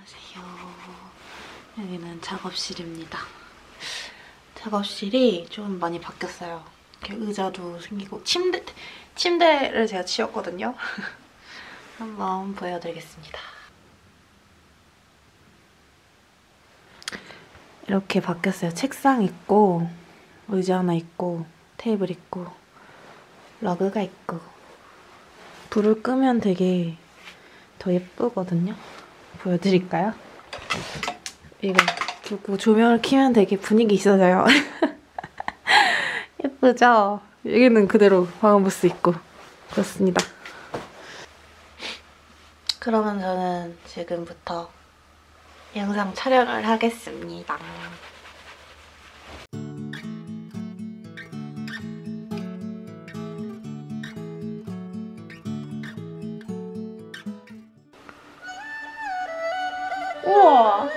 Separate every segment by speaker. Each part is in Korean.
Speaker 1: 안녕하세요. 여기는 작업실입니다. 작업실이 좀 많이 바뀌었어요. 이렇게 의자도 생기고 침대를 제가 치웠거든요. 한번 보여드리겠습니다. 이렇게 바뀌었어요. 책상 있고 의자 하나 있고 테이블 있고 러그가 있고 불을 끄면 되게 더 예쁘거든요. 보여드릴까요? 이거 그리고 조명을 켜면 되게 분위기 있어져요. 예쁘죠? 여기는 그대로 방음부스 있고 그렇습니다. 그러면 저는 지금부터 영상 촬영을 하겠습니다. 우와!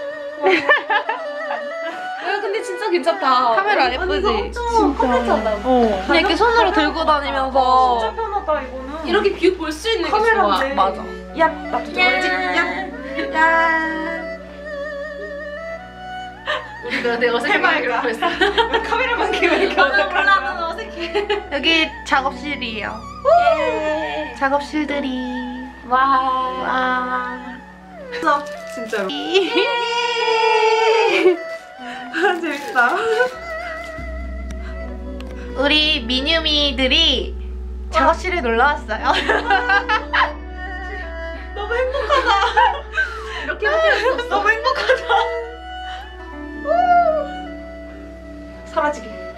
Speaker 2: 근데 진짜 괜찮다.
Speaker 1: 카메라 예쁘지?
Speaker 2: 엄청 컴팩트하다.
Speaker 1: 그냥 이렇게 손으로 들고 다니면서
Speaker 3: 진짜 편하다 이거는.
Speaker 2: 이렇게 뷰 볼 수 있는 게 좋아.
Speaker 3: 카메라인데.
Speaker 1: 맞아.
Speaker 3: 야, 나도 저거지. 야, 야.
Speaker 2: 우리가 내가 어색하게 그러고 있어.
Speaker 3: 왜 카메라만 키면 이렇게 어색하냐?
Speaker 2: 어색해.
Speaker 1: 여기 작업실이에요.
Speaker 2: 예.
Speaker 1: 작업실들이 와.
Speaker 3: 진짜로. 아, 재밌다.
Speaker 1: 우리 미뉴미들이 작업실에 놀러 왔어요.
Speaker 3: 너무 행복하다.
Speaker 2: 이렇게 하면 수 없어.
Speaker 3: 너무 행복하다. 사라지게.